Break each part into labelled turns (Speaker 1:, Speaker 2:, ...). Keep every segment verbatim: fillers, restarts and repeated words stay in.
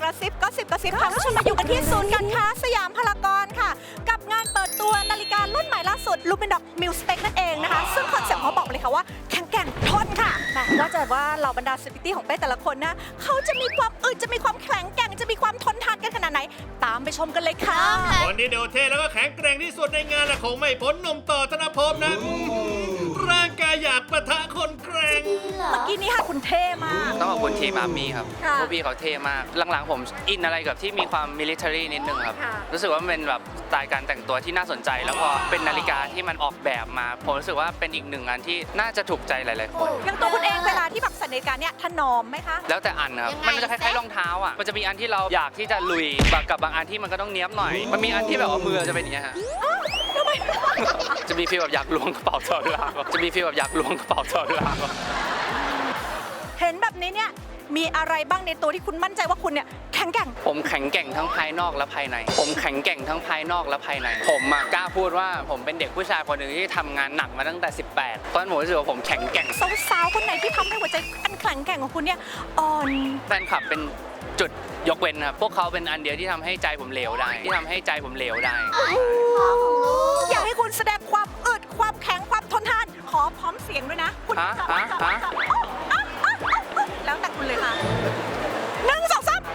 Speaker 1: ระซิบก็สิบกระซิบค่ะคุณผู้ชมมาอยู่กันที่ศูนย์การค้าสยามพารากอนค่ะกับงานเปิดตัวนาฬิการุ่นใหม่ล่าสุด Lumendoc Mil Spec นั่นเองนะคะซึ่งคอนเซ็ปต์เขาบอกเลยค่ะว่าแข็งแกร่งทนค่ะแม้ว่าจะว่าเหล่าบรรดาเซเลบริตี้ของเป้แต่ละคนนะเขาจะมีความอึดจะมีความแข็งแกร่งจะมีความทนทานกันขนาดไหนตามไปชมกันเลยค่ะ
Speaker 2: คนที่โดดเท่แล้วก็แข็งแกร่งที่สุดในงานและคงไม่พ้นหนุ่มต่อธนภพนะร่างกายอยากปะทะคนแกร่ง
Speaker 1: เมื่อกี้นี้ค่ะคุณเท่มาก
Speaker 3: ต้องขอบคุณทีมอาร์มี่ครับ
Speaker 1: ค่ะ
Speaker 3: พวกพี่เขาเท่มาก หลังๆผมอินอะไรกับที่มีความมิลิเตอรี่นิดนึงครับ
Speaker 1: ค่ะ
Speaker 3: รู้สึกว่ามันเป็นแบบสไตล์การแต่งตัวที่น่าสนใจ แล้วพอเป็นนาฬิกาที่มันออกแบบมา ผมรู้สึกว่าเป็นอีกหนึ่งอันที่น่าจะถูกใจหลายๆคน
Speaker 1: อย่างตัวคุณเองเวลาที่แบบใส่นาฬิกาเนี่ยถนอมไหมคะ
Speaker 3: แล้วแต่อันครับ มันจะคล้ายๆรองเท้าอ่ะ มันจะมีอันที่เราอยากที่จะลุยแบบกับบางอันที่มันก็ต้องเนี้ยบหน่อย มันมีอันที่แบบว่ามือจะเป็นอย่างเงี้ยฮะ จะมีฟีลแบบอยากล้วงกระเป๋าตลอดเวลาจะมีฟีลแบบอยากล้วงกระเป๋าตลอดเวลา
Speaker 1: เห็นแบบนี้เนี่ยมีอะไรบ้างในตัวที่คุณมั่นใจว่าคุณเนี่ยแข็งแกร่ง
Speaker 3: ผมแข็งแกร่งทั้งภายนอกและภายใน ผมแข็งแกร่งทั้งภายนอกและภายใน ผมมากล้าพูดว่าผมเป็นเด็กผู้ชายคนหนึ่งที่ทำงานหนักมาตั้งแต่สิบแปดตอนนั้นผมรู้สึกว่าผมแข็งแกร่ง
Speaker 1: สาวๆคนไหนที่ทำให้หัวใจอันแข็งแกร่งของคุณเนี่ยอ่อน
Speaker 3: แฟนคลับเป็นจุดยกเว้นครับพวกเขาเป็นอันเดียวที่ทำให้ใจผมเหลวได้ ที่ทำให้ใจผมเหลวได้
Speaker 1: อยากให้คุณแสดงความอึดความแข็งความทนทาน ขอพร้อมเสียงด้วยนะคุณ
Speaker 3: ฮะฮะฮะ
Speaker 1: แล้วแต่คุณเลยค่ะหนึ่งสองสาม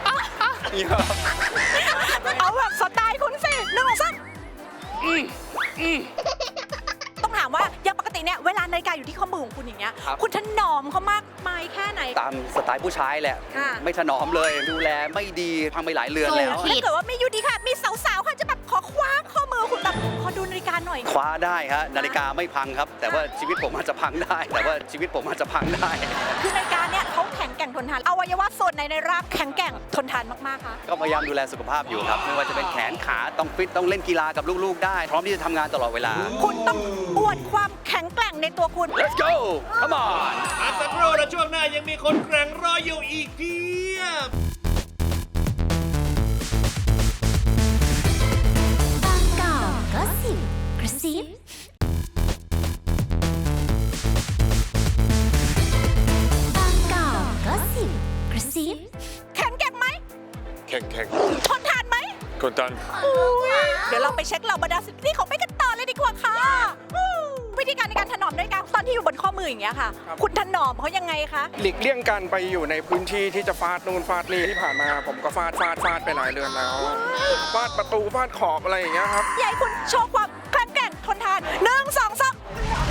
Speaker 1: เอาแบบสไตล์คุณสิหนึ่งสองสามต้องถามว่าอย่างปกติเนี่ยเวลานาฬิกาอยู่ที่ข้อมือของคุณอย่างเงี้ย
Speaker 3: ครับ
Speaker 1: คุณถนอมเขามากมายแค่ไหน
Speaker 4: ตามสไตล์ผู้ชายแหละ
Speaker 1: ค่ะ
Speaker 4: ไม่ถนอมเลยดูแลไม่ดีพังไปหลายเรือนแล้ว
Speaker 1: ถ้าเกิดว่าไม่อยู่ดีค่ะ มีสาวๆค่ะจะแบบขอคว้าข้อมือคุณแบบขอดูนาฬิกาหน่อย
Speaker 4: คว้าได้ฮะนาฬิกาไม่พังครับ แต่ว่าชีวิตผมอาจจะพังได้ แต่ว่าชีวิตผมอาจจะพังได้
Speaker 1: คือนาฬิกาเนี่ยเขาแข็งแกร่งทนทานอวัยวะส่วนไหนในร่างแข็งแกร่งทนทานมากๆค่ะ
Speaker 4: ก็พยายามดูแลสุขภาพอยู่ครับ ไม่ว่าจะเป็นแขนขาต้องฟิตต้องเล่นกีฬากับลูกๆ ได้ พร้อมที่จะทำงานตลอดเวลา
Speaker 1: คุณต้องอวดความแข็งแกร่งในตัวคุณ
Speaker 4: Let's go come on
Speaker 2: พักสักครู่และช่วงหน้ายังมีคนแกร่งรออยู่อีกเพียบ
Speaker 5: บางกอกก็สิบกระซิบางกอกก็สิบกระซิบ
Speaker 1: แข็งแกร่งไหม
Speaker 6: แข่งแข่ง
Speaker 1: ทนทานไหม
Speaker 6: กดดัน
Speaker 1: เดี๋ยวเราไปเช็คเหล่าบรรดาสิทธิของไปกันต่อเลยดีกว่าค่ะอู้วิธีการในการถนอมนาฬิกาตอนที่อยู่บนข้อมืออย่างเงี้ยค่ะ คุณถนอมเขายังไงคะ
Speaker 7: หลีกเลี่ยงการไปอยู่ในพื้นที่ที่จะฟาดนู่นฟาดนี่ที่ผ่านมาผมก็ฟาดฟาดฟาดไปหลายเรือนแล้วฟาดประตูฟาดขอบอะไรอย่างเงี้ยครับ
Speaker 1: อยากให้คุณโชว์ความแข็งแกร่งทนทานหนึ่งสองสาม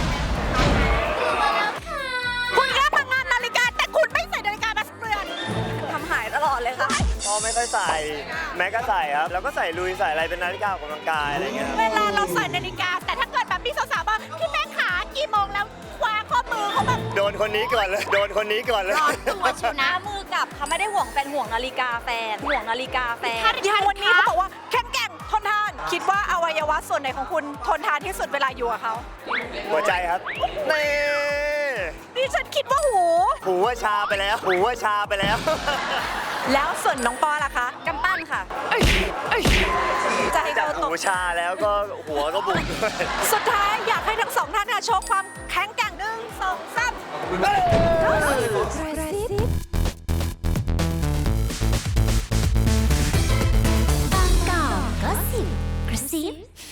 Speaker 1: คุณแค่พังงานนาฬิกาแต่คุณไม่ใส่นาฬิกามาสักเรือนทำหายตลอดเลยค่ะ
Speaker 8: พ่อไม่ค่อยใส่แม็กก็ใส่ครับ แล้วก็ใส่ลุยใส่อะไรเป็นนาฬิกาออกกำลังกายอะไรเงี้ย
Speaker 1: เวลาเราใส่นาฬิกาแต่ถ้าเกิดแบบมีสาวๆบอกพี่แม่ขากี่โมงแล้วคว้าข้อมือเขาแบบ
Speaker 8: โดนคนนี้ก่อนเลย โดนคนนี้ก่อนเลย
Speaker 5: ร้อนตัวชิวนะมือกับเขาไม่ได้ห่วงแฟนห่วงนาฬิกาแฟนห่วงนาฬิกาแฟน
Speaker 1: อย่างวันนี้เขาบอกว่าแข็งแกร่งทนทาน คิดว่าอวัยวะส่วนไหนของคุณทนทานที่สุดเวลาอยู่กับเขา
Speaker 8: หัวใจครับนี่
Speaker 1: ดิฉันคิดว่าหู
Speaker 8: หูว่าชาไปแล้ว หูว่าชาไปแล้ว
Speaker 1: แล้วส่วนน้องปอล่ะคะกำปั้นค่ะจะให้
Speaker 8: จาก
Speaker 1: เขาต
Speaker 8: หู
Speaker 1: ก
Speaker 8: ชาแล้วก็หัวก็บุกด้วย
Speaker 1: สุดท้ายอยากให้ทั้งสองท่านค่ะโชว์ความแข็งแกร่งหนึ่งสองสาม
Speaker 5: กระซิบบางกอกก็สิบกระซิบ